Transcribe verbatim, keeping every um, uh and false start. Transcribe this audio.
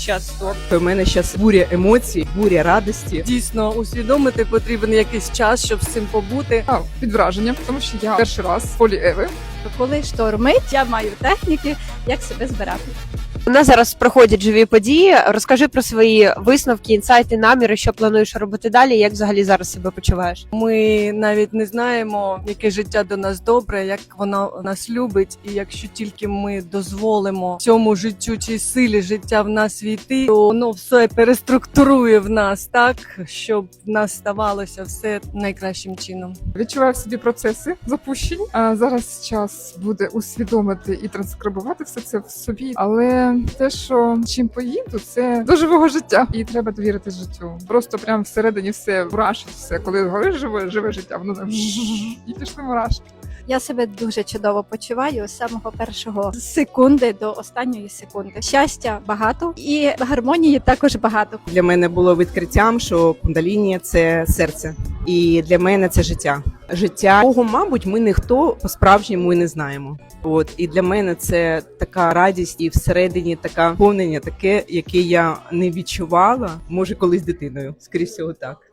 час торт. У мене зараз буря емоцій, буря радості. Дійсно, усвідомити потрібен якийсь час, щоб з цим побути. А, під враженням, тому що я перший раз в полі Еви. Коли штормить, я маю техніки, як себе збирати. У нас зараз проходять живі події. Розкажи про свої висновки, інсайти, наміри, що плануєш робити далі, як взагалі зараз себе почуваєш? Ми навіть не знаємо, яке життя до нас добре, як воно нас любить, і якщо тільки ми дозволимо цьому життю чи силі життя в нас війти, то воно все переструктурує в нас так, щоб в нас ставалося все найкращим чином. Відчуваю в собі процеси запущені. А зараз час буде усвідомити і транскрибувати все це в собі. Але те, що чим поїду, це до живого життя. І треба довірити життю. Просто прям всередині все мурашить все. Коли говориш живе, живе життя, воно там і пішли мурашки. Я себе дуже чудово почуваю з самого першого секунди до останньої секунди. Щастя багато і гармонії також багато. Для мене було відкриттям, що кундаліні – це серце. І для мене це життя. Життя, кого, мабуть, ми ніхто по-справжньому і не знаємо. От, і для мене це така радість і всередині така повнення таке, яке я не відчувала, може, колись дитиною. Скоріше всього так.